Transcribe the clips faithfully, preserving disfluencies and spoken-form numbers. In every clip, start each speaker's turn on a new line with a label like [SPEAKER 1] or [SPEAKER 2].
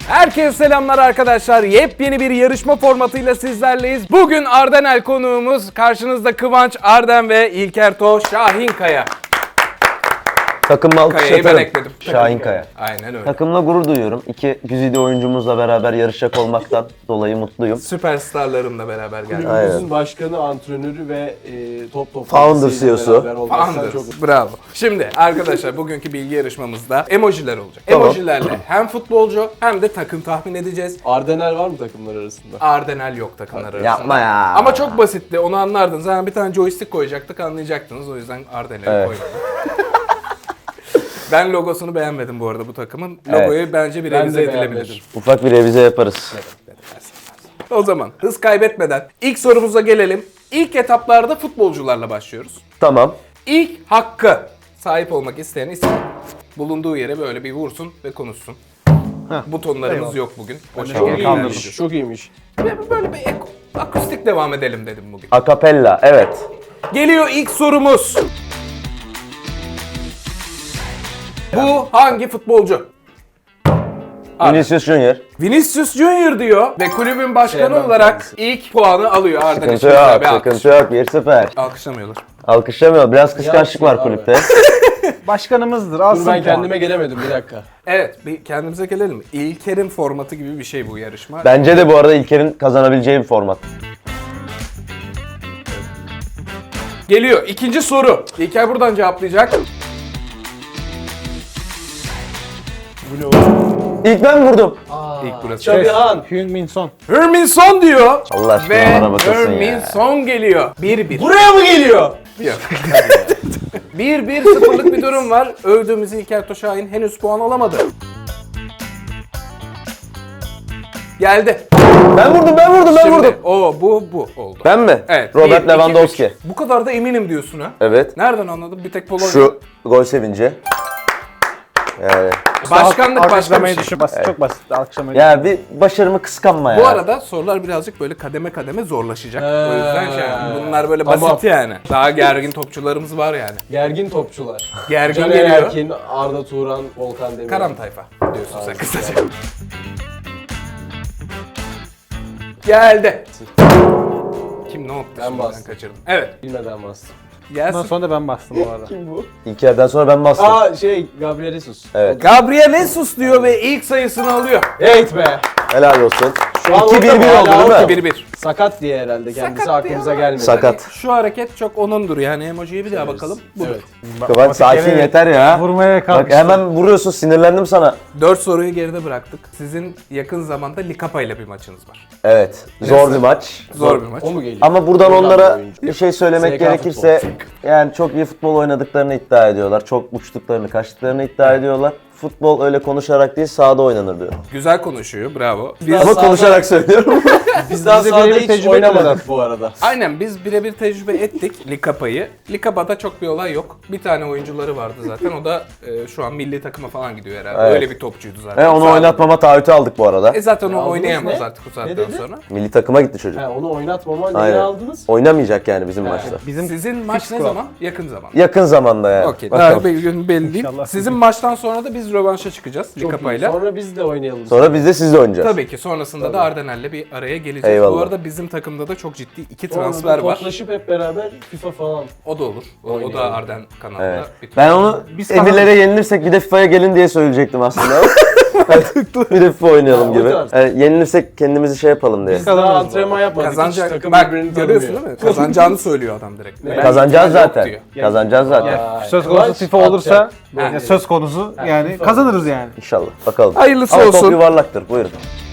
[SPEAKER 1] Herkese selamlar arkadaşlar. Yepyeni bir yarışma formatıyla sizlerleyiz. Bugün Ardenel konuğumuz. Karşınızda Kıvanç Arden ve İlker Toş Şahinkaya.
[SPEAKER 2] Takımla alkış
[SPEAKER 1] Kaya'yı ben
[SPEAKER 2] atarım.
[SPEAKER 1] ekledim.
[SPEAKER 2] Şahinkaya.
[SPEAKER 1] Aynen öyle.
[SPEAKER 2] Takımla gurur duyuyorum. İki güzide oyuncumuzla beraber yarışacak olmaktan dolayı mutluyum.
[SPEAKER 1] Süperstarlarımla beraber geldik.
[SPEAKER 2] Aynen.
[SPEAKER 3] Kulübümüzün başkanı, antrenörü ve e, top top
[SPEAKER 2] Founder C E O'su.
[SPEAKER 1] Founder. Bravo. Şimdi arkadaşlar bugünkü bilgi yarışmamızda emojiler olacak.
[SPEAKER 2] Tamam.
[SPEAKER 1] Emojilerle hem futbolcu hem de takım tahmin edeceğiz.
[SPEAKER 3] Ardenel var mı takımlar arasında?
[SPEAKER 1] Ardenel yok takımlar arasında.
[SPEAKER 2] Yapma ya.
[SPEAKER 1] Ama çok basitti, onu anlardınız. Zaten bir tane joystick koyacaktık, anlayacaktınız. O yüzden Ardenel'i
[SPEAKER 2] Evet.
[SPEAKER 1] koymadım. Ben logosunu beğenmedim bu arada bu takımın.
[SPEAKER 2] Evet.
[SPEAKER 1] Logoyu bence bir
[SPEAKER 3] Ben de
[SPEAKER 1] revize edilebilir.
[SPEAKER 3] beğenmedim.
[SPEAKER 2] Ufak bir revize yaparız.
[SPEAKER 1] O zaman hız kaybetmeden ilk sorumuza gelelim. İlk etaplarda futbolcularla başlıyoruz.
[SPEAKER 2] Tamam.
[SPEAKER 1] İlk hakkı sahip olmak isteyen isim bulunduğu yere böyle bir vursun ve konuşsun. Butonlarımız yok bugün. O
[SPEAKER 3] Çok
[SPEAKER 1] şekilde
[SPEAKER 3] iyiymiş.
[SPEAKER 1] ilerleyeceğiz.
[SPEAKER 3] Çok iyiymiş.
[SPEAKER 1] Ve böyle bir ek- akustik devam edelim dedim bugün.
[SPEAKER 2] Akapella, evet.
[SPEAKER 1] Geliyor ilk sorumuz. Bu hangi futbolcu? Abi.
[SPEAKER 2] Vinicius Junior.
[SPEAKER 1] Vinicius Junior diyor ve kulübün başkanı
[SPEAKER 3] Sevmem
[SPEAKER 1] olarak
[SPEAKER 3] kendisi.
[SPEAKER 1] ilk puanı alıyor Arden
[SPEAKER 2] Sıkıntı
[SPEAKER 1] için. Güzel
[SPEAKER 2] yok,
[SPEAKER 1] bir alkış.
[SPEAKER 2] sıkıntı yok. bir sıfır.
[SPEAKER 1] Alkışlamıyorlar.
[SPEAKER 2] Alkışlamıyor. Biraz kıskançlık var
[SPEAKER 3] Yapsın abi.
[SPEAKER 2] kulüpte.
[SPEAKER 4] Başkanımızdır.
[SPEAKER 3] Dur
[SPEAKER 4] Alsın
[SPEAKER 3] ben
[SPEAKER 4] puan.
[SPEAKER 3] kendime gelemedim bir dakika.
[SPEAKER 1] Evet, bir kendimize gelelim. İlker'in formatı gibi bir şey bu yarışma.
[SPEAKER 2] Bence de bu arada İlker'in kazanabileceği bir format.
[SPEAKER 1] Geliyor ikinci soru. İlker buradan cevaplayacak.
[SPEAKER 3] Bu ne oğlum?
[SPEAKER 2] İlk ben vurdum.
[SPEAKER 1] İlk burası.
[SPEAKER 3] Şabihan.
[SPEAKER 4] Heung-min Son.
[SPEAKER 1] Hermin Son diyor.
[SPEAKER 2] Allah aşkına
[SPEAKER 1] Ve
[SPEAKER 2] bana bakasın
[SPEAKER 1] Hermin
[SPEAKER 2] ya.
[SPEAKER 1] Son geliyor. bir bir.
[SPEAKER 3] Buraya mı geliyor?
[SPEAKER 1] bir bir sıfırlık bir durum var. Övdüğümüz İlker Toşahin henüz puan alamadı. Geldi.
[SPEAKER 2] Ben vurdum, ben vurdum, ben
[SPEAKER 1] Şimdi
[SPEAKER 2] vurdum.
[SPEAKER 1] o bu bu oldu.
[SPEAKER 2] Ben mi?
[SPEAKER 1] Evet.
[SPEAKER 2] Robert
[SPEAKER 1] bir, iki,
[SPEAKER 2] Lewandowski.
[SPEAKER 1] üç. Bu kadar da eminim diyorsun ha.
[SPEAKER 2] Evet.
[SPEAKER 1] Nereden anladın? Bir tek Polonya.
[SPEAKER 2] Şu gol sevinci. Yani.
[SPEAKER 1] Başkanlık başka bir
[SPEAKER 4] Alkışlamayı
[SPEAKER 1] şey.
[SPEAKER 4] düşün. Basit, Çok basit. Alkışlamayı
[SPEAKER 2] Ya bir başarımı kıskanma ya.
[SPEAKER 1] Bu arada sorular birazcık böyle kademe kademe zorlaşacak. O yüzden şey, bunlar böyle
[SPEAKER 3] Tamam.
[SPEAKER 1] basit yani. Daha gergin topçularımız var yani.
[SPEAKER 3] Gergin topçular.
[SPEAKER 1] Gergin
[SPEAKER 3] Caner
[SPEAKER 1] geliyor.
[SPEAKER 3] Erkin, Arda Turan, Volkan Demir.
[SPEAKER 1] Karam tayfa diyorsun sen
[SPEAKER 3] Aynen.
[SPEAKER 1] kısaca. Geldi. Kim ne yaptı?
[SPEAKER 3] Ben
[SPEAKER 1] şimdi?
[SPEAKER 3] bastım.
[SPEAKER 1] kaçırdım. Evet.
[SPEAKER 3] Bilmeden bastım.
[SPEAKER 4] Bundan
[SPEAKER 1] Gelsin.
[SPEAKER 4] sonra da ben bastım bu arada.
[SPEAKER 3] Kim bu?
[SPEAKER 2] İlker'den sonra ben bastım.
[SPEAKER 3] Aa şey Gabriel Jesus.
[SPEAKER 2] Evet.
[SPEAKER 1] Gabriel Jesus diyor ve ilk sayısını alıyor.
[SPEAKER 3] Evet be.
[SPEAKER 2] Helal olsun.
[SPEAKER 3] Şu an
[SPEAKER 2] iki bir
[SPEAKER 3] orada
[SPEAKER 2] bir
[SPEAKER 3] hala
[SPEAKER 2] oldu değil mi?
[SPEAKER 1] iki bir bir.
[SPEAKER 3] Sakat diye herhalde kendisi
[SPEAKER 1] Sakat
[SPEAKER 3] aklımıza
[SPEAKER 1] diye
[SPEAKER 3] gelmedi.
[SPEAKER 2] Sakat.
[SPEAKER 1] Şu hareket çok onundur yani emojiye bir daha bakalım. Budur.
[SPEAKER 3] Evet.
[SPEAKER 2] Kıvanç sakin
[SPEAKER 4] kere
[SPEAKER 2] yeter ya.
[SPEAKER 4] Vurmaya
[SPEAKER 2] Bak
[SPEAKER 4] kalkıştı.
[SPEAKER 2] hemen vuruyorsun, sinirlendim sana.
[SPEAKER 1] Dört soruyu geride bıraktık. Sizin yakın zamanda Likapa ile bir maçınız var.
[SPEAKER 2] Evet, zor bir maç.
[SPEAKER 1] Zor bir maç.
[SPEAKER 3] O mu geliyor?
[SPEAKER 2] Ama buradan
[SPEAKER 3] Oradan
[SPEAKER 2] onlara
[SPEAKER 3] bir oyuncu.
[SPEAKER 2] bir şey söylemek
[SPEAKER 3] S K
[SPEAKER 2] gerekirse yani çok iyi futbol oynadıklarını iddia ediyorlar. Çok uçtuklarını, kaçtıklarını iddia ediyorlar. Futbol öyle konuşarak değil, sahada oynanır diyor.
[SPEAKER 1] Güzel konuşuyor. Bravo.
[SPEAKER 3] Biz
[SPEAKER 2] Ama
[SPEAKER 3] sahada-
[SPEAKER 2] konuşarak söylüyorum.
[SPEAKER 3] Biz daha
[SPEAKER 4] Biz de
[SPEAKER 3] sahada
[SPEAKER 4] birebir
[SPEAKER 3] hiç
[SPEAKER 4] tecrübe
[SPEAKER 3] oynamadık bu arada.
[SPEAKER 1] Aynen biz birebir tecrübe ettik Likapa'yı. Likapa'da çok bir olay yok. Bir tane oyuncuları vardı zaten. O da e, şu an milli takıma falan gidiyor herhalde.
[SPEAKER 2] Evet.
[SPEAKER 1] Öyle bir topçuydu zaten.
[SPEAKER 2] He, onu
[SPEAKER 1] Sağ-
[SPEAKER 2] oynatmama taahhütü aldık bu arada.
[SPEAKER 1] E zaten o
[SPEAKER 3] Aldınız
[SPEAKER 1] oynayamaz
[SPEAKER 3] ne?
[SPEAKER 1] artık bu
[SPEAKER 3] Ne
[SPEAKER 1] saatten
[SPEAKER 3] dedi?
[SPEAKER 1] sonra.
[SPEAKER 2] Milli takıma gitti çocuk.
[SPEAKER 3] He, onu oynatmama niye
[SPEAKER 2] Aynen.
[SPEAKER 3] aldınız?
[SPEAKER 2] Oynamayacak yani bizim maçta.
[SPEAKER 4] Bizim
[SPEAKER 1] Sizin maç ne
[SPEAKER 4] squad.
[SPEAKER 1] zaman? Yakın zaman.
[SPEAKER 2] Yakın zamanda yani.
[SPEAKER 1] Okey.
[SPEAKER 2] Bakalım.
[SPEAKER 1] Daha bir gün belli değil.
[SPEAKER 4] İnşallah.
[SPEAKER 1] Sizin maçtan sonra da biz rövanşa çıkacağız
[SPEAKER 3] Çok iyi.
[SPEAKER 1] Likapa'yla.
[SPEAKER 3] Sonra biz de oynayalım.
[SPEAKER 2] Sonra biz de sizle oynayacağız.
[SPEAKER 1] Tabii ki sonrasında da Ardenel'le bir araya geleceğiz. Bu
[SPEAKER 2] Eyvallah.
[SPEAKER 1] arada bizim takımda da çok ciddi iki
[SPEAKER 3] Sonra
[SPEAKER 1] transfer
[SPEAKER 3] da
[SPEAKER 1] var.
[SPEAKER 3] toplaşıp hep beraber FIFA falan.
[SPEAKER 1] O da olur. O, o da
[SPEAKER 3] Oynayalım.
[SPEAKER 1] Arden kanalında.
[SPEAKER 2] Evet.
[SPEAKER 1] bir
[SPEAKER 2] Ben onu
[SPEAKER 4] Biz
[SPEAKER 2] emirlere yenilirsek bir de FIFA'ya gelin diye söyleyecektim aslında. bir de FIFA oynayalım
[SPEAKER 3] Ha, o
[SPEAKER 2] gibi.
[SPEAKER 3] tarz.
[SPEAKER 2] Yani yenilirsek kendimizi şey yapalım diye.
[SPEAKER 3] Biz daha antrenman yapmadık. Hiç
[SPEAKER 1] Kazanacak.
[SPEAKER 3] takım
[SPEAKER 1] Bak
[SPEAKER 3] birbirini
[SPEAKER 1] görüyorsun
[SPEAKER 3] tanımıyor.
[SPEAKER 1] değil mi? Kazanacağını söylüyor adam direkt. Ben
[SPEAKER 2] Kazanacağız
[SPEAKER 1] ihtimal yok
[SPEAKER 2] zaten.
[SPEAKER 1] diyor.
[SPEAKER 2] Kazanacağız zaten.
[SPEAKER 3] Vay.
[SPEAKER 4] söz konusu
[SPEAKER 3] Kıvanç
[SPEAKER 4] FIFA olursa
[SPEAKER 3] atacak.
[SPEAKER 4] yani söz konusu yani
[SPEAKER 3] FIFA
[SPEAKER 4] kazanırız yani.
[SPEAKER 2] İnşallah. Bakalım.
[SPEAKER 1] Hayırlısı
[SPEAKER 2] Ama
[SPEAKER 1] olsun.
[SPEAKER 2] top yuvarlaktır. Buyurun.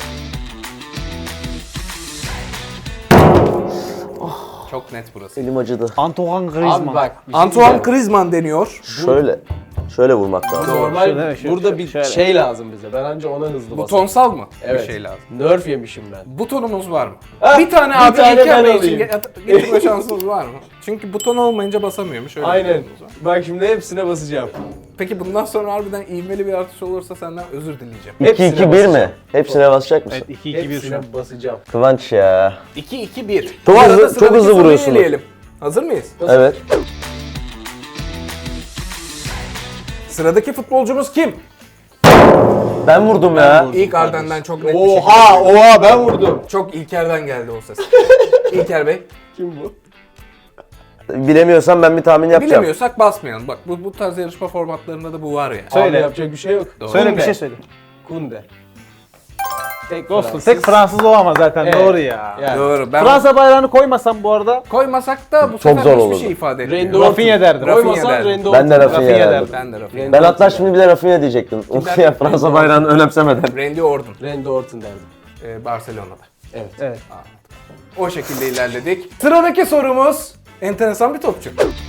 [SPEAKER 1] Çok net burası.
[SPEAKER 2] Elim acıdı.
[SPEAKER 4] Antoine
[SPEAKER 3] Abi
[SPEAKER 4] Griezmann.
[SPEAKER 3] bak. bir şey
[SPEAKER 1] Antoine
[SPEAKER 3] diyeceğim.
[SPEAKER 1] Griezmann deniyor.
[SPEAKER 2] Şöyle. Şöyle vurmak lazım.
[SPEAKER 3] Normal
[SPEAKER 4] Şöyle, şöyle,
[SPEAKER 3] burada bir
[SPEAKER 4] şöyle.
[SPEAKER 3] şey lazım bize. Ben anca ona hızlı basarım.
[SPEAKER 1] Butonsal mı?
[SPEAKER 3] Evet.
[SPEAKER 1] Bir şey lazım.
[SPEAKER 3] Nerf yemişim ben.
[SPEAKER 1] Butonumuz var mı?
[SPEAKER 3] Ha,
[SPEAKER 1] bir tane
[SPEAKER 3] bir
[SPEAKER 1] abi
[SPEAKER 3] tane
[SPEAKER 1] İlker
[SPEAKER 3] ben
[SPEAKER 1] Bey için
[SPEAKER 3] alayım.
[SPEAKER 1] ge- getirme şansımız var mı? Çünkü buton olmayınca basamıyormuş. Öyle bir
[SPEAKER 3] Aynen.
[SPEAKER 1] durumumuz var.
[SPEAKER 3] Bak şimdi hepsine basacağım.
[SPEAKER 1] Peki bundan sonra harbiden ivmeli bir artış olursa senden özür dileyeceğim.
[SPEAKER 2] iki
[SPEAKER 3] Hepsine
[SPEAKER 2] iki bir
[SPEAKER 3] basacağım.
[SPEAKER 2] mi? Hepsine basacak mısın?
[SPEAKER 4] Evet iki iki bir şu an.
[SPEAKER 3] Hepsine basacağım.
[SPEAKER 2] Kıvanç ya.
[SPEAKER 1] iki iki bir.
[SPEAKER 2] Çok
[SPEAKER 1] Bu arada
[SPEAKER 2] hızlı- çok
[SPEAKER 1] sıradaki
[SPEAKER 2] hızlı
[SPEAKER 1] soruyu
[SPEAKER 2] vuruyorsunuz.
[SPEAKER 1] eleyelim. Hazır mıyız?
[SPEAKER 2] Evet.
[SPEAKER 1] Sıradaki futbolcumuz kim?
[SPEAKER 2] Ben vurdum ya.
[SPEAKER 1] İlk Arden'den çok net bir şekilde.
[SPEAKER 3] Oha oha ben vurdum.
[SPEAKER 1] Çok İlker'den geldi o ses. İlker Bey.
[SPEAKER 3] Kim bu?
[SPEAKER 2] Bilemiyorsam ben bir tahmin yapacağım.
[SPEAKER 1] Bilemiyorsak basmayalım. Bak bu, bu tarz yarışma formatlarında da bu var ya.
[SPEAKER 4] Söyle.
[SPEAKER 3] Abi yapacak bir şey yok.
[SPEAKER 1] Doğru.
[SPEAKER 4] Söyle bir
[SPEAKER 3] Kunde.
[SPEAKER 4] şey söyle.
[SPEAKER 3] Kunde. Tek
[SPEAKER 4] Dostum
[SPEAKER 3] Fransız.
[SPEAKER 4] tek Fransız olamaz zaten.
[SPEAKER 3] Evet.
[SPEAKER 4] Doğru ya.
[SPEAKER 3] Yani.
[SPEAKER 1] Doğru. Ben
[SPEAKER 4] Fransa bayrağını koymasam bu arada
[SPEAKER 1] koymasak da bu
[SPEAKER 2] Çok
[SPEAKER 1] sefer
[SPEAKER 2] zor
[SPEAKER 1] hiçbir
[SPEAKER 2] olurdu.
[SPEAKER 1] şey ifade etmiyor.
[SPEAKER 3] Randy
[SPEAKER 4] Rafinha
[SPEAKER 3] Orton.
[SPEAKER 4] derdim.
[SPEAKER 3] Koymasan
[SPEAKER 1] Rafinha
[SPEAKER 3] Randy
[SPEAKER 2] Ben de
[SPEAKER 3] Orton.
[SPEAKER 2] Rafinha
[SPEAKER 4] Rafinha
[SPEAKER 2] derdim.
[SPEAKER 1] Ben de Rafinha.
[SPEAKER 2] Ben hatta şimdi bile Rafinha diyecektim. ya Fransa bayrağını önemsemeden.
[SPEAKER 1] Randy Orton.
[SPEAKER 3] Randy Orton derdim.
[SPEAKER 1] Ee, Barcelona'da.
[SPEAKER 3] Evet.
[SPEAKER 4] evet.
[SPEAKER 1] O şekilde ilerledik. Sıradaki sorumuz enteresan bir topçu.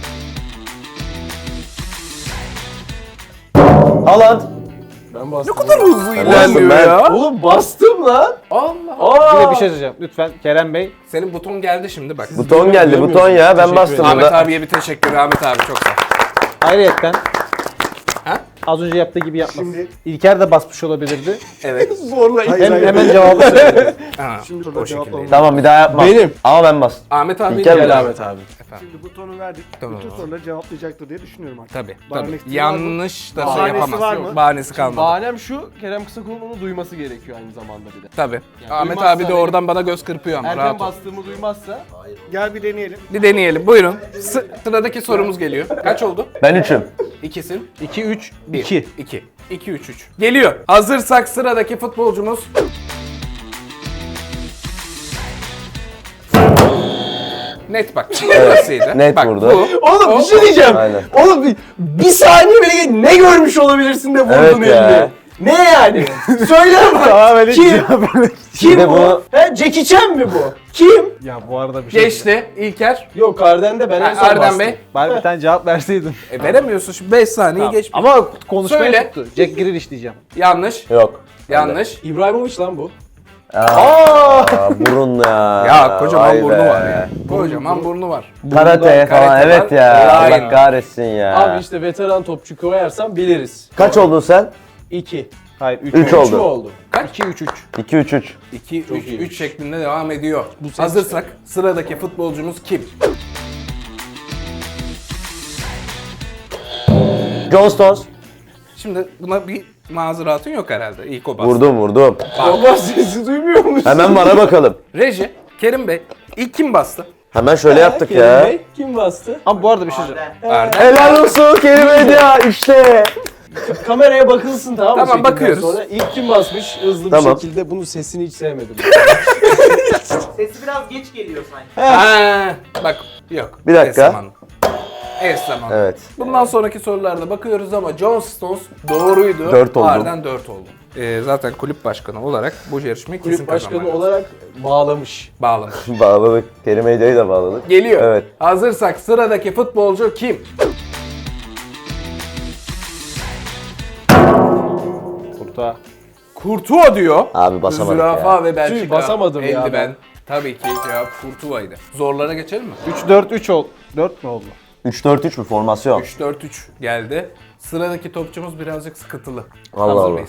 [SPEAKER 2] Haaland.
[SPEAKER 3] Ben bastım.
[SPEAKER 1] Ne kadar hızlı ilerliyor
[SPEAKER 2] ben.
[SPEAKER 1] ya.
[SPEAKER 3] Oğlum bastım lan.
[SPEAKER 1] Allah.
[SPEAKER 3] Aa.
[SPEAKER 4] Bir de bir şey söyleyeceğim. Lütfen Kerem Bey.
[SPEAKER 1] Senin buton geldi şimdi bak.
[SPEAKER 2] Buton geldi,
[SPEAKER 3] Görmüyorsun.
[SPEAKER 2] buton ya. Ben
[SPEAKER 3] Teşekkür
[SPEAKER 2] bastım
[SPEAKER 3] ederim.
[SPEAKER 1] Ahmet
[SPEAKER 2] burada.
[SPEAKER 1] abiye bir teşekkür. Ahmet abi çok sağ ol.
[SPEAKER 4] Ayrıyetten
[SPEAKER 1] Ha?
[SPEAKER 4] az önce yaptığı gibi yapmasın. İlker de basmış olabilirdi.
[SPEAKER 1] Evet.
[SPEAKER 3] Zorla
[SPEAKER 4] Hem, hemen cevabı söyledi.
[SPEAKER 1] Ha,
[SPEAKER 5] Şimdi
[SPEAKER 1] o
[SPEAKER 5] burada
[SPEAKER 1] şekilde.
[SPEAKER 5] cevaplamam.
[SPEAKER 2] Tamam bir daha yapma.
[SPEAKER 3] Benim.
[SPEAKER 2] Ama ben bastım.
[SPEAKER 1] Ahmet abi
[SPEAKER 2] İlker
[SPEAKER 1] gel
[SPEAKER 2] Bey.
[SPEAKER 1] abi.
[SPEAKER 3] Ahmet abi.
[SPEAKER 5] Şimdi butonu verdik.
[SPEAKER 1] Tamam.
[SPEAKER 5] Bütün soruları cevaplayacaktır diye düşünüyorum artık.
[SPEAKER 1] Tabii.
[SPEAKER 5] Bahane
[SPEAKER 1] tabii.
[SPEAKER 5] ihtimali var mı?
[SPEAKER 1] Yanlış da şey
[SPEAKER 5] Bahanesi
[SPEAKER 1] yapamaz.
[SPEAKER 5] var
[SPEAKER 1] Yok,
[SPEAKER 5] mı?
[SPEAKER 1] Bahanesi kalmadı.
[SPEAKER 3] Bahanem şu, Kerem Kısakul'un onu duyması gerekiyor aynı zamanda bir de.
[SPEAKER 1] Tabii.
[SPEAKER 3] Yani
[SPEAKER 1] Ahmet
[SPEAKER 3] duymazsa
[SPEAKER 1] abi de
[SPEAKER 3] benim-
[SPEAKER 1] oradan bana göz kırpıyor ama
[SPEAKER 3] Erken
[SPEAKER 1] rahat ol.
[SPEAKER 3] bastığımı duymazsa
[SPEAKER 5] Gel bir deneyelim.
[SPEAKER 1] Bir deneyelim. Buyurun. Sı- sıradaki sorumuz geliyor. Kaç oldu?
[SPEAKER 2] Ben üçüm.
[SPEAKER 1] İkisin.
[SPEAKER 4] iki üç
[SPEAKER 1] Bir.
[SPEAKER 4] iki.
[SPEAKER 1] İki. İki, üç, üç. Geliyor. Hazırsak sıradaki futbolcumuz. Net bak. Burasıydı.
[SPEAKER 2] net
[SPEAKER 1] bak,
[SPEAKER 2] vurdu.
[SPEAKER 1] Bu.
[SPEAKER 3] Oğlum
[SPEAKER 1] O-
[SPEAKER 3] bir şey diyeceğim.
[SPEAKER 2] Aynen.
[SPEAKER 3] Oğlum bir, bir saniye bile ne görmüş olabilirsin de vurdun
[SPEAKER 2] Evet
[SPEAKER 3] elini.
[SPEAKER 2] ya.
[SPEAKER 3] Ne yani? Söyle bak.
[SPEAKER 4] Daha böyle
[SPEAKER 3] Kim? Kim
[SPEAKER 2] Bir de
[SPEAKER 3] bu?
[SPEAKER 2] bu-
[SPEAKER 3] He, Jackie Chan mi bu? Kim?
[SPEAKER 4] Ya bu arada bir şey.
[SPEAKER 1] Geçti. İlker.
[SPEAKER 3] Yok Arden'de ben en son
[SPEAKER 1] Erdem
[SPEAKER 3] bastım.
[SPEAKER 1] Bey.
[SPEAKER 4] Bari bir tane cevap verseydin.
[SPEAKER 1] E, veremiyorsun. Şimdi beş saniye geçmiş.
[SPEAKER 4] Ama konuşmaya
[SPEAKER 1] Söyle.
[SPEAKER 4] tuttu. Jack Grealish diyeceğim.
[SPEAKER 1] Yanlış.
[SPEAKER 2] Yok.
[SPEAKER 1] Yanlış.
[SPEAKER 3] İbrahimovic lan bu.
[SPEAKER 2] Aa, burun ya.
[SPEAKER 1] Ya kocaman
[SPEAKER 2] Vay
[SPEAKER 1] burnu
[SPEAKER 2] be.
[SPEAKER 1] var ya. Kocaman burnu var.
[SPEAKER 2] Karate
[SPEAKER 1] Burnunda
[SPEAKER 2] falan
[SPEAKER 1] karate
[SPEAKER 2] evet
[SPEAKER 1] var.
[SPEAKER 2] ya.
[SPEAKER 1] Aynen.
[SPEAKER 2] Allah kahretsin ya.
[SPEAKER 3] Abi işte veteran topçu koyarsan biliriz.
[SPEAKER 2] Kaç oldun sen?
[SPEAKER 3] İki.
[SPEAKER 4] Hayır üç.
[SPEAKER 2] Üç
[SPEAKER 3] Üçü
[SPEAKER 2] oldu.
[SPEAKER 3] oldu.
[SPEAKER 4] iki üç üç.
[SPEAKER 2] iki üç üç.
[SPEAKER 1] iki,
[SPEAKER 3] Çok
[SPEAKER 1] üç,
[SPEAKER 3] iyiymiş.
[SPEAKER 1] üç şeklinde devam ediyor.
[SPEAKER 3] ses-
[SPEAKER 1] Hazırsak sıradaki futbolcumuz kim?
[SPEAKER 2] John Stones.
[SPEAKER 1] Şimdi buna bir mazeratın yok herhalde. İlk o bastı.
[SPEAKER 2] Vurdum vurdum.
[SPEAKER 3] Baba sesi duymuyor musun?
[SPEAKER 2] Hemen bana bakalım.
[SPEAKER 1] Reji, Kerim Bey, ilk kim bastı?
[SPEAKER 2] Hemen şöyle yaptık
[SPEAKER 3] Kerim
[SPEAKER 2] ya.
[SPEAKER 3] Bey, kim bastı?
[SPEAKER 4] Ama bu arada bir şey söyleyeyim.
[SPEAKER 1] Arda.
[SPEAKER 2] Helal olsun Kerim ya işte.
[SPEAKER 3] Kameraya bakılsın tamam mı?
[SPEAKER 1] Tamam,
[SPEAKER 3] çekimden
[SPEAKER 1] bakıyoruz.
[SPEAKER 3] Sonra ilk kim basmış hızlı
[SPEAKER 2] Tamam.
[SPEAKER 3] bir şekilde. Bunun sesini hiç sevmedim.
[SPEAKER 6] Sesi biraz geç geliyor sanki.
[SPEAKER 1] Ha, bak yok.
[SPEAKER 2] Bir dakika.
[SPEAKER 1] Es zamanı. Es zamanı.
[SPEAKER 2] Evet.
[SPEAKER 1] Bundan sonraki sorularda bakıyoruz ama John Stones doğruydu.
[SPEAKER 2] Dört oldu.
[SPEAKER 1] Arden dört oldu. Ee, zaten kulüp başkanı olarak bu yarışmayı kesin
[SPEAKER 3] Kulüp başkanı
[SPEAKER 1] kazanmak
[SPEAKER 3] olarak bağlamış.
[SPEAKER 1] bağlamış.
[SPEAKER 2] Bağladık. Kerim Edya'yı da bağladık.
[SPEAKER 1] Geliyor.
[SPEAKER 2] Evet.
[SPEAKER 1] Hazırsak sıradaki futbolcu kim?
[SPEAKER 4] Kurta.
[SPEAKER 1] Courtois diyor.
[SPEAKER 2] Abi basamadık
[SPEAKER 1] Zürafa
[SPEAKER 2] ya.
[SPEAKER 1] ve Belçika.
[SPEAKER 3] Tüh, basamadım ya
[SPEAKER 1] eldiven.
[SPEAKER 3] ben.
[SPEAKER 1] Tabii ki cevap Courtois'ydı. Zorlara geçelim mi?
[SPEAKER 4] üç dört üç oldu. dört mü oldu?
[SPEAKER 2] üç dört üç mü formasyon?
[SPEAKER 1] üç dört üç geldi. Sıradaki topçumuz birazcık sıkıntılı.
[SPEAKER 2] Allah
[SPEAKER 1] Hazır
[SPEAKER 2] Allah.
[SPEAKER 1] mıyız?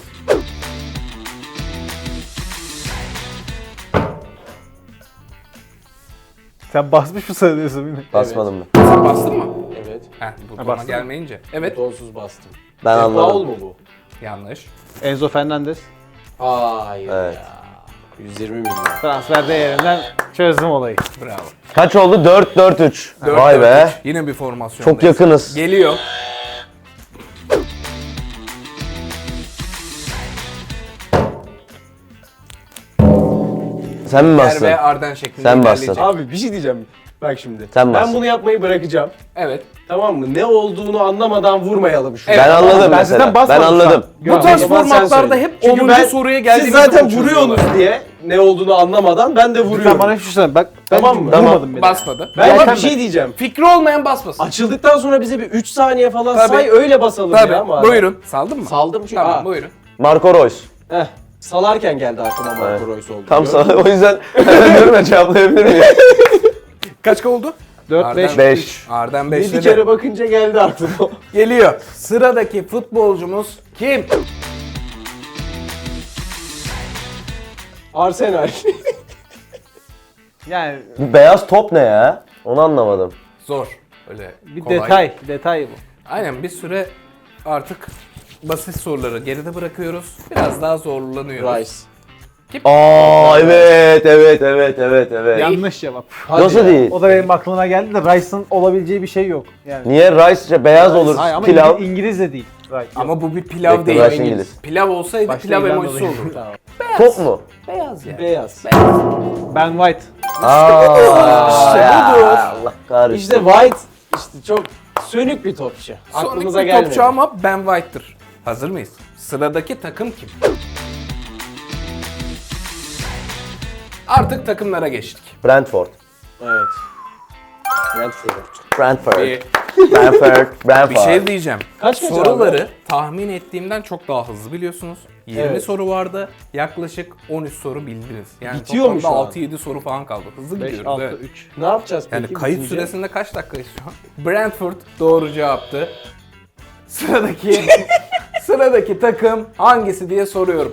[SPEAKER 4] Sen basmış mı sanıyorsun beni?
[SPEAKER 2] Basmadım mı?
[SPEAKER 1] Sen bastın mı?
[SPEAKER 3] Evet.
[SPEAKER 1] Heh, butona
[SPEAKER 4] bastım.
[SPEAKER 1] gelmeyince. Evet.
[SPEAKER 3] Donsuz bastım.
[SPEAKER 2] Ben
[SPEAKER 3] Paul
[SPEAKER 2] anladım.
[SPEAKER 3] mu bu?
[SPEAKER 1] Yanlış.
[SPEAKER 4] Enzo Fernandez.
[SPEAKER 3] Hayır
[SPEAKER 2] Evet.
[SPEAKER 3] ya. yüz yirmi milyon.
[SPEAKER 4] Transfer değerinden çözdüm olayı.
[SPEAKER 1] Bravo.
[SPEAKER 2] Kaç oldu? dört dört üç.
[SPEAKER 1] dört
[SPEAKER 2] Vay
[SPEAKER 1] dört
[SPEAKER 2] be.
[SPEAKER 1] üç. Yine bir formasyon.
[SPEAKER 2] Çok yakınız.
[SPEAKER 1] Geliyor.
[SPEAKER 2] Sen mi
[SPEAKER 1] Yer
[SPEAKER 2] bastın?
[SPEAKER 1] ve Arden şeklinde
[SPEAKER 2] Sen
[SPEAKER 1] ilerleyecek.
[SPEAKER 2] bastın.
[SPEAKER 3] Abi bir şey diyeceğim. Bak şimdi.
[SPEAKER 2] Sen
[SPEAKER 3] ben
[SPEAKER 2] bas.
[SPEAKER 3] bunu yapmayı bırakacağım.
[SPEAKER 1] Evet.
[SPEAKER 3] Tamam mı? Ne olduğunu anlamadan vurmayalım şunu.
[SPEAKER 1] Evet.
[SPEAKER 2] Ben anladım
[SPEAKER 4] Ben
[SPEAKER 2] mesela.
[SPEAKER 4] zaten
[SPEAKER 2] Ben
[SPEAKER 4] basmadım şu an.
[SPEAKER 2] anladım.
[SPEAKER 1] Bu tarz
[SPEAKER 3] O zaman sen
[SPEAKER 1] formatlarda
[SPEAKER 3] söyle.
[SPEAKER 1] hep
[SPEAKER 3] Çünkü
[SPEAKER 1] onuncu
[SPEAKER 3] ben-
[SPEAKER 1] soruya
[SPEAKER 3] Siz
[SPEAKER 1] geldiğimizde
[SPEAKER 3] zaten
[SPEAKER 1] bunu çözüyorlar.
[SPEAKER 3] vuruyorsunuz diye ne olduğunu anlamadan ben de
[SPEAKER 4] Sen
[SPEAKER 3] vuruyorum.
[SPEAKER 4] bana hiçbir şey söyleme. Bak ben
[SPEAKER 3] Tamam mı?
[SPEAKER 4] vurmadım bile.
[SPEAKER 1] Basmadı.
[SPEAKER 3] Ben
[SPEAKER 4] Ya
[SPEAKER 3] bak
[SPEAKER 4] sen
[SPEAKER 3] bir şey
[SPEAKER 4] de-
[SPEAKER 3] diyeceğim.
[SPEAKER 1] Fikri olmayan basmasın.
[SPEAKER 3] Açıldıktan sonra bize bir üç saniye falan
[SPEAKER 1] Tabii.
[SPEAKER 3] say öyle basalım
[SPEAKER 1] Tabii.
[SPEAKER 3] ya. madem.
[SPEAKER 1] Buyurun. Saldın mı?
[SPEAKER 3] Saldım çünkü.
[SPEAKER 1] Tamam
[SPEAKER 3] Aa,
[SPEAKER 1] buyurun.
[SPEAKER 2] Marco Reus.
[SPEAKER 3] Heh, salarken geldi aklıma Marco
[SPEAKER 2] Evet.
[SPEAKER 3] Reus oldu.
[SPEAKER 2] Tam
[SPEAKER 3] Gördün mü?
[SPEAKER 2] sana o yüzden hemen diyorum ya cevaplayabilir miyim?
[SPEAKER 1] Kaç oldu?
[SPEAKER 4] dört beş.
[SPEAKER 2] beş.
[SPEAKER 1] Arden beş
[SPEAKER 3] Bir kere bakınca geldi aklıma.
[SPEAKER 1] geliyor. Sıradaki futbolcumuz kim?
[SPEAKER 3] Arsenal.
[SPEAKER 4] Yani
[SPEAKER 2] Bu beyaz top ne ya? Onu anlamadım.
[SPEAKER 1] Zor. Öyle
[SPEAKER 4] bir
[SPEAKER 1] kolay.
[SPEAKER 4] detay. Detay bu.
[SPEAKER 1] Aynen bir süre artık basit soruları geride bırakıyoruz. Biraz daha zorlanıyoruz.
[SPEAKER 3] Rice.
[SPEAKER 2] Aa evet evet evet evet evet.
[SPEAKER 4] Yanlış cevap.
[SPEAKER 2] Nasıl
[SPEAKER 3] ya.
[SPEAKER 2] değil?
[SPEAKER 4] O da benim aklıma geldi de Rice'ın olabileceği bir şey yok. Yani.
[SPEAKER 2] Niye rice beyaz olur
[SPEAKER 4] Hayır ama
[SPEAKER 2] pilav?
[SPEAKER 4] İngiliz, İngiliz de değil. Rice.
[SPEAKER 1] Ama bu bir pilav
[SPEAKER 2] Bekle,
[SPEAKER 1] değil.
[SPEAKER 2] Rice İngiliz.
[SPEAKER 1] Pilav olsaydı
[SPEAKER 4] Başta
[SPEAKER 1] pilav
[SPEAKER 4] İrlanda
[SPEAKER 1] emojisi
[SPEAKER 4] değil.
[SPEAKER 1] olurdu.
[SPEAKER 3] Tamam.
[SPEAKER 2] Top mu?
[SPEAKER 1] Beyaz ya.
[SPEAKER 3] Beyaz.
[SPEAKER 4] Ben White.
[SPEAKER 2] Aa,
[SPEAKER 1] İşte
[SPEAKER 2] ya,
[SPEAKER 1] budur.
[SPEAKER 2] Allah kahretsin.
[SPEAKER 3] İşte White işte çok sönük bir topçu.
[SPEAKER 1] Sonik
[SPEAKER 3] Aklımıza
[SPEAKER 1] bir
[SPEAKER 3] gelmedi.
[SPEAKER 1] topçu ama Ben White'tır. Hazır mıyız? Sıradaki takım kim? Artık takımlara geçtik.
[SPEAKER 2] Brentford.
[SPEAKER 3] Evet. Brentford.
[SPEAKER 2] Brentford.
[SPEAKER 1] Bir,
[SPEAKER 2] Brentford. Brentford.
[SPEAKER 1] bir şey diyeceğim.
[SPEAKER 3] Kaç kaç
[SPEAKER 1] Soruları
[SPEAKER 3] abi?
[SPEAKER 1] tahmin ettiğimden çok daha hızlı biliyorsunuz. yirmi
[SPEAKER 3] Evet.
[SPEAKER 1] soru vardı. Yaklaşık on üç soru bildiniz. Yani
[SPEAKER 3] Bitiyor mu
[SPEAKER 1] toplamda
[SPEAKER 3] şu an?
[SPEAKER 1] altı yedi soru falan kaldı. Hızlı
[SPEAKER 4] beş,
[SPEAKER 1] gidiyoruz.
[SPEAKER 4] altı,
[SPEAKER 1] Evet.
[SPEAKER 4] üç.
[SPEAKER 3] Ne yapacağız peki?
[SPEAKER 1] Yani kayıt
[SPEAKER 3] bitince?
[SPEAKER 1] süresinde kaç dakikayız şu an? Brentford doğru cevaptı. Sıradaki sıradaki takım hangisi diye soruyorum.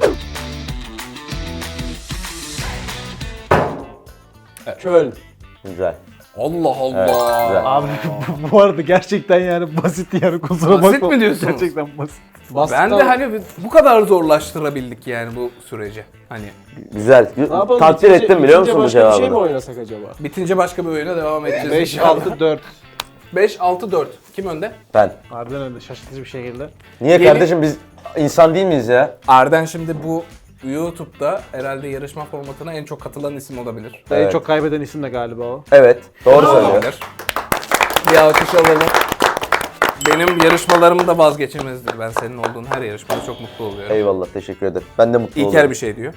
[SPEAKER 3] Köln.
[SPEAKER 2] Güzel.
[SPEAKER 1] Allah Allah.
[SPEAKER 2] Evet, güzel.
[SPEAKER 4] Abi bu- bu arada gerçekten yani basit yani kusura
[SPEAKER 1] Basit
[SPEAKER 4] bakma.
[SPEAKER 1] mi diyorsunuz?
[SPEAKER 4] Gerçekten basit.
[SPEAKER 1] Ben de hani bu kadar zorlaştırabildik yani bu süreci. Hani
[SPEAKER 2] Güzel.
[SPEAKER 3] Ne yapalım?
[SPEAKER 2] Takdir
[SPEAKER 3] Bitince-
[SPEAKER 2] ettim biliyor
[SPEAKER 3] bitince
[SPEAKER 2] musun bu
[SPEAKER 3] başka bir şey mi
[SPEAKER 2] cevabını?
[SPEAKER 3] oynasak acaba?
[SPEAKER 1] bitince başka bir oyuna devam edeceğiz.
[SPEAKER 4] beş, altı, dört.
[SPEAKER 1] beş altı dört. Kim önde?
[SPEAKER 2] Ben.
[SPEAKER 4] Harbiden öyle şaşırtıcı bir şekilde.
[SPEAKER 2] Niye
[SPEAKER 1] Yeni-
[SPEAKER 2] kardeşim biz insan değil miyiz ya?
[SPEAKER 1] Arden şimdi bu YouTube'da herhalde yarışma formatına en çok katılan isim olabilir.
[SPEAKER 4] En
[SPEAKER 2] Evet.
[SPEAKER 4] çok kaybeden isim de galiba o.
[SPEAKER 2] Evet. Doğru söylüyor.
[SPEAKER 1] Olabilir. Bir alkış alalım. Benim yarışmalarım da vazgeçilmezdir. Ben senin olduğun her yarışmada çok mutlu oluyorum.
[SPEAKER 2] Eyvallah teşekkür ederim. Ben de mutlu
[SPEAKER 1] İlker
[SPEAKER 2] oluyorum.
[SPEAKER 1] bir şey diyor.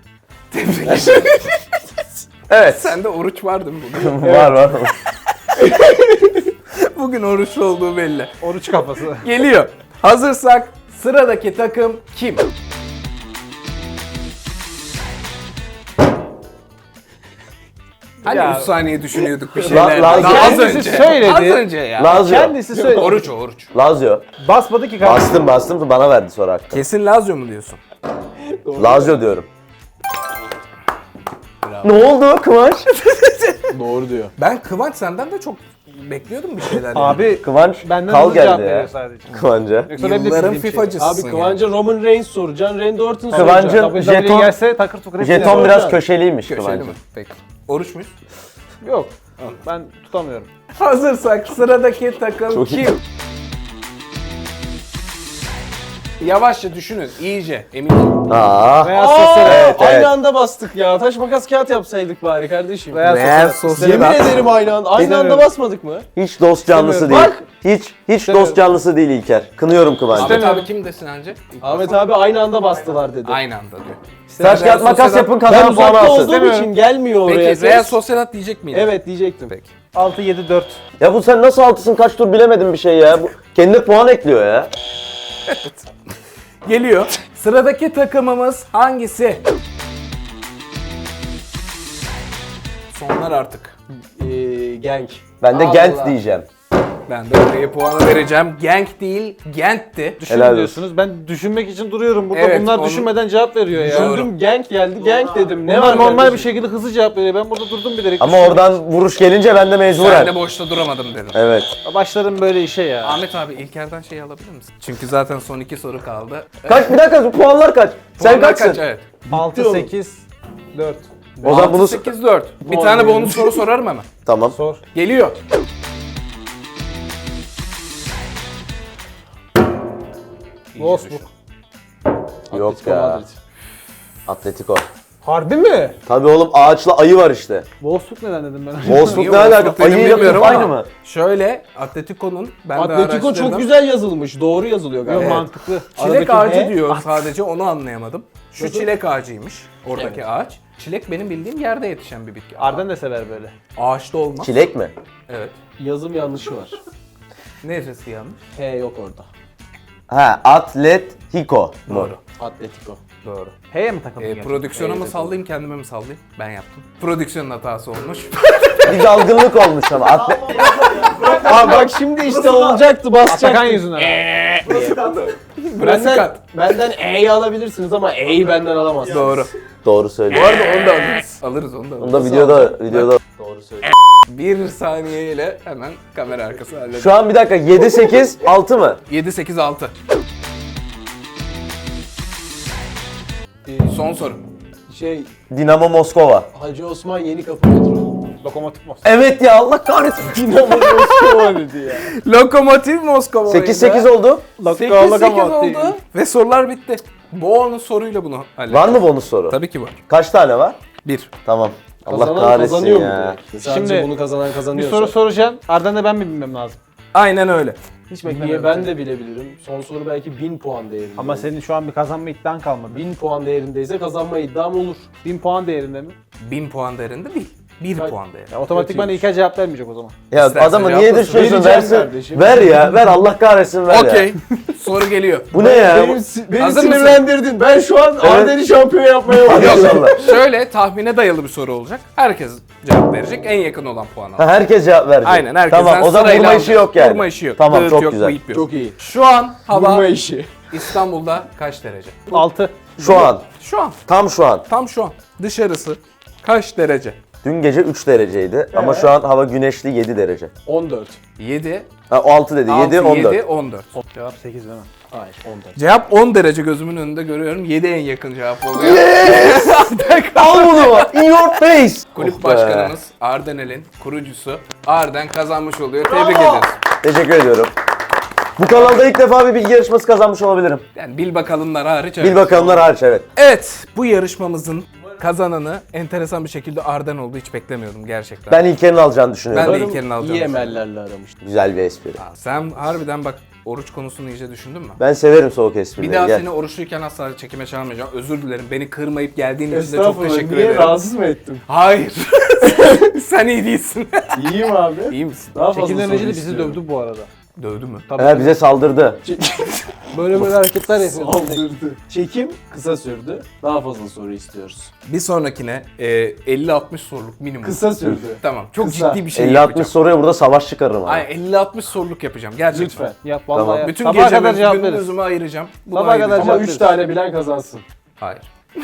[SPEAKER 2] Evet.
[SPEAKER 1] Sende oruç var değil mi bugün?
[SPEAKER 2] var var.
[SPEAKER 1] Bugün oruçlu olduğu belli.
[SPEAKER 4] Oruç kafası.
[SPEAKER 1] Geliyor. Hazırsak sıradaki takım kim? Hani
[SPEAKER 4] Ya-
[SPEAKER 1] üç saniye düşünüyorduk bir
[SPEAKER 2] La-
[SPEAKER 1] şeyler.
[SPEAKER 2] Lazio.
[SPEAKER 1] Daha az
[SPEAKER 4] Kendisi
[SPEAKER 1] önce.
[SPEAKER 4] söyledi.
[SPEAKER 1] Az önce ya.
[SPEAKER 2] Lazio.
[SPEAKER 4] Kendisi söyledi.
[SPEAKER 1] Oruç o oruç.
[SPEAKER 2] Lazio.
[SPEAKER 4] Basmadı ki kardeşim.
[SPEAKER 2] Bastım bastım da bana verdi sonra hakkı.
[SPEAKER 1] Kesin Lazio mu diyorsun?
[SPEAKER 2] Lazio diyorum. Ne oldu Kıvanç?
[SPEAKER 3] Doğru diyor.
[SPEAKER 1] Ben Kıvanç senden de çok bekliyordum bir şeyler. yani.
[SPEAKER 4] Abi
[SPEAKER 2] Kıvanç
[SPEAKER 4] benden
[SPEAKER 2] kal
[SPEAKER 4] hızlı cevap
[SPEAKER 2] geldi
[SPEAKER 4] veriyor
[SPEAKER 2] ya.
[SPEAKER 4] sadece.
[SPEAKER 2] Kıvanç'a.
[SPEAKER 4] Yoksa benim de
[SPEAKER 1] Yılların
[SPEAKER 4] istediğim şey.
[SPEAKER 1] FIFA'cısın
[SPEAKER 3] Abi Kıvanç'a Roman Reigns soracaksın, Randy Orton
[SPEAKER 2] Kıvancı-
[SPEAKER 3] soracaksın.
[SPEAKER 4] W W E
[SPEAKER 2] Jeton-
[SPEAKER 4] gelse takır tukur hepsini
[SPEAKER 2] Jeton
[SPEAKER 4] yaparım.
[SPEAKER 2] biraz
[SPEAKER 3] Hocam.
[SPEAKER 2] köşeliymiş
[SPEAKER 1] Köşeli
[SPEAKER 2] Kıvanç'ın.
[SPEAKER 1] mi? Peki. Oruç muyuz?
[SPEAKER 4] Yok. Ben tutamıyorum.
[SPEAKER 1] Hazırsak sıradaki takım
[SPEAKER 2] Çok iyi.
[SPEAKER 1] kim? Yavaşça düşünün, iyice, emin olun.
[SPEAKER 2] Aa.
[SPEAKER 4] Veya
[SPEAKER 3] Aa,
[SPEAKER 4] sosyal.
[SPEAKER 2] Evet,
[SPEAKER 3] aynı
[SPEAKER 2] evet.
[SPEAKER 3] anda bastık ya. Taş makas kağıt yapsaydık bari kardeşim.
[SPEAKER 4] Veya
[SPEAKER 1] Real
[SPEAKER 4] sosyal.
[SPEAKER 3] Yemin
[SPEAKER 1] Sociedad.
[SPEAKER 3] ederim aynı anda. Aynı anda
[SPEAKER 4] İstemiyorum.
[SPEAKER 3] basmadık mı?
[SPEAKER 2] Hiç dost canlısı değil.
[SPEAKER 3] Bak.
[SPEAKER 2] Hiç hiç
[SPEAKER 4] İstemiyorum.
[SPEAKER 2] dost canlısı değil İlker. Kınıyorum Kıvanç'ı.
[SPEAKER 1] Ahmet abi kim desin önce?
[SPEAKER 3] Ahmet abi aynı anda bastılar dedi.
[SPEAKER 1] Aynı anda diyor.
[SPEAKER 2] Taş kağıt makas yapın
[SPEAKER 3] Ben
[SPEAKER 2] kazanan puanı
[SPEAKER 3] uzakta
[SPEAKER 2] alsın.
[SPEAKER 3] olduğum için gelmiyor oraya.
[SPEAKER 1] Peki
[SPEAKER 3] ses.
[SPEAKER 1] Real Sociedad diyecek miydin?
[SPEAKER 3] Evet diyecektim.
[SPEAKER 1] Peki.
[SPEAKER 4] altı yedi dört.
[SPEAKER 2] Ya bu sen nasıl altısın kaç tur bilemedin bir şey ya. Bu kendine puan ekliyor ya.
[SPEAKER 1] Geliyor. Sıradaki takımımız hangisi? Sonlar artık.
[SPEAKER 3] Ee, Genk.
[SPEAKER 2] Ben de
[SPEAKER 1] Allah.
[SPEAKER 2] Gent diyeceğim.
[SPEAKER 1] Ben de oraya puanı vereceğim. Genk değil, Gent'ti.
[SPEAKER 4] Düşün
[SPEAKER 2] Helal olsun.
[SPEAKER 4] diyorsunuz. Ben düşünmek için duruyorum burada.
[SPEAKER 1] Evet,
[SPEAKER 4] Bunlar
[SPEAKER 1] onu-
[SPEAKER 4] düşünmeden cevap veriyor ya.
[SPEAKER 1] Doğru.
[SPEAKER 3] Düşündüm Genk geldi. Genk dedim. Ne
[SPEAKER 4] Bunlar
[SPEAKER 3] var
[SPEAKER 4] normal
[SPEAKER 3] kardeşim?
[SPEAKER 4] bir şekilde hızlı cevap veriyor. Ben burada durdum bilerek.
[SPEAKER 2] Ama
[SPEAKER 4] düşündüm.
[SPEAKER 2] oradan vuruş gelince ben de
[SPEAKER 1] Ben
[SPEAKER 2] mecburen.
[SPEAKER 1] de boşta duramadım dedim.
[SPEAKER 2] Evet.
[SPEAKER 4] Başlarım böyle işe ya.
[SPEAKER 1] Ahmet abi İlker'den şey alabilir misin? Çünkü zaten son iki soru kaldı.
[SPEAKER 2] Kaç bir dakika puanlar kaç? Sen
[SPEAKER 1] Puanlar
[SPEAKER 2] kaçsın?
[SPEAKER 1] kaç? Evet.
[SPEAKER 4] altı
[SPEAKER 3] oğlum.
[SPEAKER 4] sekiz dört.
[SPEAKER 2] O zaman bunu
[SPEAKER 1] sekiz dört. Bir tane bonus soru sorarım hemen.
[SPEAKER 2] tamam.
[SPEAKER 4] Sor.
[SPEAKER 1] Geliyor.
[SPEAKER 4] Wolfsburg.
[SPEAKER 2] Yok
[SPEAKER 3] Atletico
[SPEAKER 2] ya.
[SPEAKER 3] Madrid.
[SPEAKER 2] Atletico.
[SPEAKER 4] Harbi mi?
[SPEAKER 2] Tabii oğlum ağaçla ayı var işte.
[SPEAKER 4] Wolfsburg neden dedim ben?
[SPEAKER 2] Wolfsburg
[SPEAKER 1] Niye
[SPEAKER 2] ne alaka?
[SPEAKER 1] Wolfsburg dedim
[SPEAKER 2] Ayıyla
[SPEAKER 1] bilmiyorum
[SPEAKER 2] top aynı
[SPEAKER 1] ama
[SPEAKER 2] mı?
[SPEAKER 1] Şöyle Atletico'nun ben de
[SPEAKER 3] Atletico
[SPEAKER 1] araştırdım.
[SPEAKER 3] çok güzel yazılmış. Doğru yazılıyor galiba.
[SPEAKER 4] Yok mantıklı.
[SPEAKER 1] Çilek
[SPEAKER 3] Aradaki
[SPEAKER 1] ağacı
[SPEAKER 3] he?
[SPEAKER 1] diyor sadece onu anlayamadım. Şu çilek ağacıymış oradaki ağaç. Çilek benim bildiğim yerde yetişen bir bitki.
[SPEAKER 4] Arden de sever böyle.
[SPEAKER 1] Ağaçta olmaz.
[SPEAKER 2] Çilek mi?
[SPEAKER 1] Evet.
[SPEAKER 3] Yazım yanlışı var.
[SPEAKER 1] Neresi yanlış?
[SPEAKER 3] H yok orada.
[SPEAKER 2] Ha, Atletico mu?
[SPEAKER 1] Doğru.
[SPEAKER 3] Atletico.
[SPEAKER 1] Doğru.
[SPEAKER 4] H'ye mi takıldın
[SPEAKER 1] Ee,
[SPEAKER 4] gerçekten?
[SPEAKER 1] prodüksiyona mı
[SPEAKER 3] Evet,
[SPEAKER 1] sallayayım kendime mi sallayayım? Ben yaptım. Prodüksiyonun hatası olmuş.
[SPEAKER 2] Bir dalgınlık olmuş ama. Atle...
[SPEAKER 3] Aa bak şimdi işte olacaktı basacaktı.
[SPEAKER 4] Atakan yüzünden.
[SPEAKER 1] Burası
[SPEAKER 3] Benden,
[SPEAKER 1] kat.
[SPEAKER 3] benden E'yi alabilirsiniz ama E'yi benden alamazsınız.
[SPEAKER 1] Doğru.
[SPEAKER 2] Doğru
[SPEAKER 1] Bu
[SPEAKER 2] söylüyor.
[SPEAKER 1] arada onu da alırız. Alırız onu da alırız.
[SPEAKER 2] Onu da videoda videoda.
[SPEAKER 3] Doğru söylüyor.
[SPEAKER 1] Bir saniyeyle hemen kamera arkası halledelim.
[SPEAKER 2] Şu an bir dakika yedi sekiz altı mı?
[SPEAKER 1] yedi sekiz altı. Son soru.
[SPEAKER 3] Şey,
[SPEAKER 2] Dinamo Moskova.
[SPEAKER 3] Hacı Osman Yeni Kapı metro.
[SPEAKER 4] Lokomotif Moskova.
[SPEAKER 2] Evet ya, Allah kahretsin.
[SPEAKER 3] Dinamo Moskova dedi ya.
[SPEAKER 1] Lokomotiv Moskova.
[SPEAKER 2] sekiz sekiz oldu.
[SPEAKER 1] sekiz sekiz oldu ve sorular bitti. Bonus soruyla bunu hallettik.
[SPEAKER 2] Var mı bonus soru?
[SPEAKER 1] Tabii ki var.
[SPEAKER 2] Kaç tane var?
[SPEAKER 1] Bir.
[SPEAKER 2] Tamam. Allah
[SPEAKER 3] Kazanan
[SPEAKER 2] kahretsin
[SPEAKER 3] kazanıyor
[SPEAKER 2] ya.
[SPEAKER 3] mu direkt? Sadece
[SPEAKER 4] Şimdi
[SPEAKER 3] bunu kazanan
[SPEAKER 4] Bir
[SPEAKER 3] kazanıyor.
[SPEAKER 4] soru soracaksın. Ardından da ben mi bilmem lazım?
[SPEAKER 1] Aynen öyle.
[SPEAKER 4] Hiç
[SPEAKER 3] Niye
[SPEAKER 4] beklemiyorum.
[SPEAKER 3] ben de bilebilirim. Son soru belki bin puan değerinde.
[SPEAKER 4] Ama senin şu an bir kazanma iddian kalmadı.
[SPEAKER 3] bin puan değerindeyse kazanma iddiam olur.
[SPEAKER 4] bin puan değerinde mi?
[SPEAKER 1] Bin puan değerinde değil. Bir
[SPEAKER 3] Kaç-
[SPEAKER 1] puan değerinde.
[SPEAKER 4] Ya otomatikman İlker cevap vermeyecek o zaman.
[SPEAKER 2] Ya
[SPEAKER 1] İstersen
[SPEAKER 2] adamı niye
[SPEAKER 1] cevaplasın.
[SPEAKER 2] düşürüyorsun?
[SPEAKER 3] Vereceğim
[SPEAKER 2] Versin.
[SPEAKER 3] kardeşim.
[SPEAKER 2] Ver ya. Ver, Allah kahretsin, ver ya.
[SPEAKER 1] Okey. Soru geliyor.
[SPEAKER 2] Bu ne ya?
[SPEAKER 3] Benim, beni
[SPEAKER 1] Hazır mısın?
[SPEAKER 3] sinirlendirdin. Ben şu an Arden'i şampiyon yapmaya
[SPEAKER 2] Hadi
[SPEAKER 3] başlıyorum.
[SPEAKER 2] inşallah.
[SPEAKER 1] Şöyle tahmine dayalı bir soru olacak. Herkes cevap verecek. En yakın olan puan
[SPEAKER 2] Ha,
[SPEAKER 1] alır.
[SPEAKER 2] herkes cevap verecek.
[SPEAKER 1] Aynen, herkesten
[SPEAKER 2] Tamam, o zaman
[SPEAKER 1] sırayla
[SPEAKER 2] vurma işi
[SPEAKER 1] alacağız.
[SPEAKER 2] yok yani.
[SPEAKER 1] Vurma işi yok.
[SPEAKER 2] Tamam,
[SPEAKER 1] Dağıt
[SPEAKER 2] çok
[SPEAKER 1] yok,
[SPEAKER 2] güzel.
[SPEAKER 1] bıyık yok.
[SPEAKER 3] Çok iyi.
[SPEAKER 1] Şu an hava
[SPEAKER 3] Vurma işi.
[SPEAKER 1] İstanbul'da kaç derece?
[SPEAKER 4] altı.
[SPEAKER 2] Şu an.
[SPEAKER 1] Şu an.
[SPEAKER 2] Tam şu an.
[SPEAKER 1] Tam şu an. Dışarısı kaç derece?
[SPEAKER 2] Dün gece üç dereceydi ama şu an hava güneşli, yedi derece.
[SPEAKER 3] on dört.
[SPEAKER 1] yedi.
[SPEAKER 2] Ha, o altı dedi. yedi, on dört.
[SPEAKER 1] yedi, on dört.
[SPEAKER 4] Cevap sekiz değil mi?
[SPEAKER 3] Hayır on dört.
[SPEAKER 1] Cevap on derece gözümün önünde görüyorum. yedi en yakın cevap oluyor.
[SPEAKER 2] Al bunu. In your face.
[SPEAKER 1] Kulüp
[SPEAKER 2] Oh be.
[SPEAKER 1] başkanımız Ardenel'in kurucusu Arden kazanmış oluyor. Tebrik ediyoruz.
[SPEAKER 2] Teşekkür ediyorum. Bu kanalda ilk defa bir bilgi yarışması kazanmış olabilirim.
[SPEAKER 1] Yani bil bakalımlar hariç.
[SPEAKER 2] Bil
[SPEAKER 1] evet.
[SPEAKER 2] bakalımlar hariç, evet.
[SPEAKER 1] Evet, bu yarışmamızın kazananı enteresan bir şekilde Arden oldu. Hiç beklemiyordum gerçekten.
[SPEAKER 2] Ben İlker'in alacağını düşünüyorum.
[SPEAKER 1] Ben de İlker'in alacağını
[SPEAKER 3] İyi
[SPEAKER 1] düşünüyorum.
[SPEAKER 3] emellerle aramıştım.
[SPEAKER 2] Güzel bir espri.
[SPEAKER 1] Aa, sen harbiden bak oruç konusunu iyice düşündün mü?
[SPEAKER 2] Ben severim soğuk esprileri.
[SPEAKER 1] Bir daha
[SPEAKER 2] Gel.
[SPEAKER 1] seni oruçluyken asla çekime çağırmayacağım. Özür dilerim. Beni kırmayıp geldiğin için de çok
[SPEAKER 3] Estağfurullah.
[SPEAKER 1] teşekkür
[SPEAKER 3] Niye
[SPEAKER 1] ederim.
[SPEAKER 3] rahatsız mı ettim?
[SPEAKER 1] Hayır. Sen iyi değilsin.
[SPEAKER 3] İyiyim abi.
[SPEAKER 1] İyi misin?
[SPEAKER 3] Daha fazla
[SPEAKER 4] Çekimden
[SPEAKER 3] soru
[SPEAKER 4] önce de bizi
[SPEAKER 3] istiyorum.
[SPEAKER 4] dövdü bu arada.
[SPEAKER 1] Dövdü mü?
[SPEAKER 4] Tabii.
[SPEAKER 2] He, bize saldırdı.
[SPEAKER 4] Böyle böyle hareketler yapıyor.
[SPEAKER 3] Saldırdı. Çekim kısa sürdü. Daha fazla soru istiyoruz.
[SPEAKER 1] Bir sonrakine e, elli altmış soruluk minimum.
[SPEAKER 3] Kısa sürdü.
[SPEAKER 1] Tamam. Çok
[SPEAKER 3] Kısa.
[SPEAKER 1] ciddi bir şey
[SPEAKER 2] elli
[SPEAKER 1] yapacağım.
[SPEAKER 2] altmış soruya burada savaş çıkarırım abi.
[SPEAKER 1] Ay elli altmış soruluk yapacağım gerçekten.
[SPEAKER 3] Lütfen.
[SPEAKER 4] Yap vallahi
[SPEAKER 2] Tamam.
[SPEAKER 4] yap.
[SPEAKER 1] Bütün
[SPEAKER 4] Sabaha kadar
[SPEAKER 1] gecemi,
[SPEAKER 4] cevap veririz.
[SPEAKER 1] gündüzümü ayıracağım. Bunu
[SPEAKER 4] Sabaha kadar
[SPEAKER 1] ayıracağım.
[SPEAKER 3] Ama
[SPEAKER 4] cevap
[SPEAKER 3] üç
[SPEAKER 4] veririz.
[SPEAKER 3] tane bilen kazansın.
[SPEAKER 1] Hayır.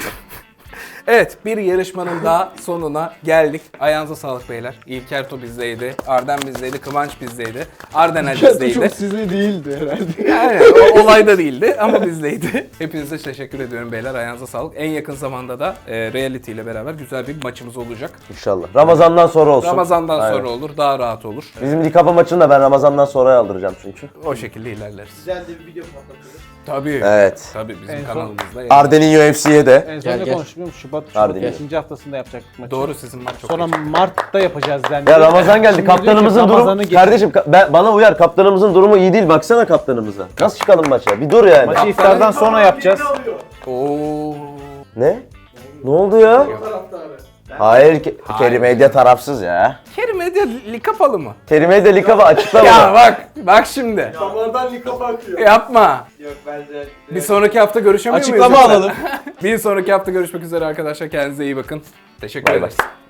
[SPEAKER 1] Evet, bir yarışmanın daha sonuna geldik. Ayağınıza sağlık beyler. İlker To bizdeydi, Arden bizdeydi, Kıvanç bizdeydi, Ardenel bizdeydi.
[SPEAKER 3] Çok sizli değildi herhalde.
[SPEAKER 1] Yani o olayda değildi ama bizdeydi. Hepinize teşekkür ediyorum beyler. Ayağınıza sağlık. En yakın zamanda da e, Reality ile beraber güzel bir maçımız olacak.
[SPEAKER 2] İnşallah. Ramazandan sonra olsun.
[SPEAKER 1] Ramazandan
[SPEAKER 2] Aynen.
[SPEAKER 1] sonra olur, daha rahat olur.
[SPEAKER 2] Bizim Likapa maçını da ben Ramazandan sonra aldıracağım çünkü.
[SPEAKER 1] O şekilde ilerleriz.
[SPEAKER 6] Güzel de bir video patlatırız.
[SPEAKER 1] Tabii.
[SPEAKER 2] Evet.
[SPEAKER 1] Tabii bizim
[SPEAKER 4] En son-
[SPEAKER 1] kanalımızda. yani.
[SPEAKER 2] Arden'in U F C'ye de.
[SPEAKER 4] En son
[SPEAKER 3] Gel,
[SPEAKER 4] ne
[SPEAKER 3] gel.
[SPEAKER 4] konuştuk biliyor musun? Şubat,
[SPEAKER 2] Hadi
[SPEAKER 4] Şubat
[SPEAKER 2] gel.
[SPEAKER 4] ikinci haftasında yapacaktık maçı.
[SPEAKER 1] Doğru, sizin maç çok
[SPEAKER 4] Sonra
[SPEAKER 1] iyi.
[SPEAKER 4] Mart'ta yapacağız dendi.
[SPEAKER 2] Ya Ramazan geldi.
[SPEAKER 4] Şimdi diyor ki,
[SPEAKER 2] Kaptanımızın durumu...
[SPEAKER 4] Ramazan'ı geç-
[SPEAKER 2] Kardeşim ka- ben, bana uyar. Kaptanımızın durumu iyi değil. Baksana kaptanımıza. Nasıl çıkalım maça? Bir dur yani.
[SPEAKER 4] Maçı iftardan sonra yapacağız.
[SPEAKER 1] Oo.
[SPEAKER 2] Ne? Ne oldu ya? Hayır, Ke-
[SPEAKER 1] Hayır.
[SPEAKER 2] Kerim Medya tarafsız ya.
[SPEAKER 1] Kerim Medya likapalı mı?
[SPEAKER 2] Kerim Medya Likapa açıklama.
[SPEAKER 1] Ya bak, bak şimdi.
[SPEAKER 3] Damardan lika bakıyor.
[SPEAKER 1] Yapma.
[SPEAKER 6] Yok bence.
[SPEAKER 1] Bir sonraki hafta görüşemiyor muyuz?
[SPEAKER 3] Açıklama
[SPEAKER 1] yoksa?
[SPEAKER 3] alalım.
[SPEAKER 1] Bir sonraki hafta görüşmek üzere arkadaşlar. Kendinize iyi bakın. Teşekkür
[SPEAKER 2] Bay bay.
[SPEAKER 1] ederiz.